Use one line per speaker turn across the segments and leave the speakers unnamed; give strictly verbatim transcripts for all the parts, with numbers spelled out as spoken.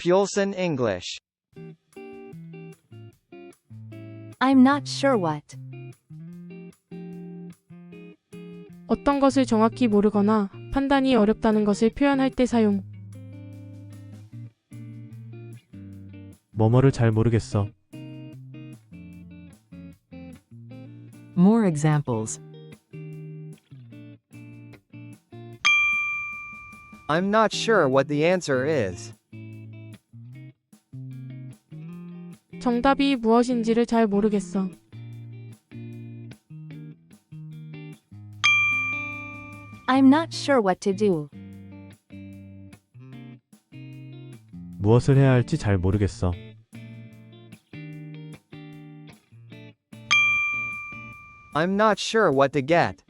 Pulson English.
I'm not sure what.
어떤 것을 정확히 모르거나 판단이 어렵다는 것을 표현할 때 사용.
뭐뭐를 잘 모르겠어.
More examples.
I'm not sure what the answer is.
정답이 무엇인지를 잘 모르겠어.
I'm not sure what to do.
무엇을 해야 할지 잘 모르겠어.
I'm not sure what to get.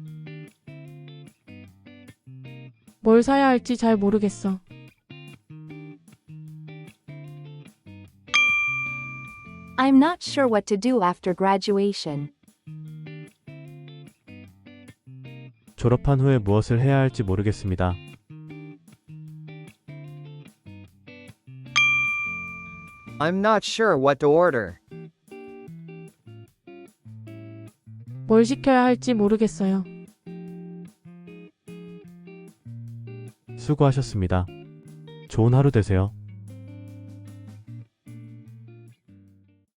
뭘 사야 할지 잘 모르겠어.
I'm not sure what to do after graduation.
졸업한 후에 무엇을 해야 할지 모르겠습니다.
I'm not sure what to order.
뭘 시켜야 할지 모르겠어요.
수고하셨습니다. 좋은 하루 되세요.